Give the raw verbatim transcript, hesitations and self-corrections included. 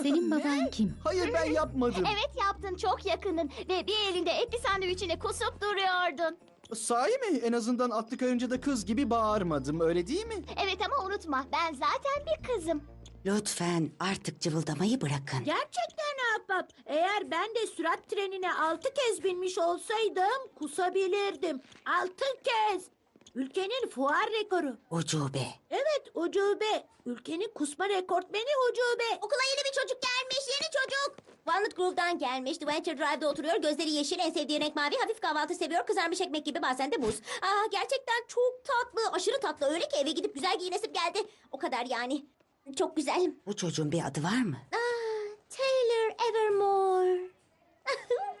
Senin baban kim? Hayır ben yapmadım. Evet yaptın, çok yakının. Ve bir elinde etli sandviçine kusup duruyordun. Sahi mi? En azından atlı karıncada kız gibi bağırmadım öyle değil mi? Evet ama unutma, ben zaten bir kızım. Lütfen artık cıvıldamayı bırakın. Gerçekten ahbap. Eğer ben de sürat trenine altı kez binmiş olsaydım kusabilirdim. Altı kez. Ülkenin fuar rekoru. Ucube. Evet ucube. Ülkenin kusma rekortmeni ucube. Okula yeni bir çocuk gelmiş, yeni çocuk. Walnut Grove'dan gelmiş, Adventure Drive'da oturuyor. Gözleri yeşil, en sevdiği renk mavi, hafif kahvaltı seviyor. Kızarmış ekmek gibi, bazen de buz. Aa, gerçekten çok tatlı, aşırı tatlı. Öyle ki eve gidip güzel giyinesim geldi. O kadar yani. Çok güzel. Bu çocuğun bir adı var mı? Aa, Taylor Evermore.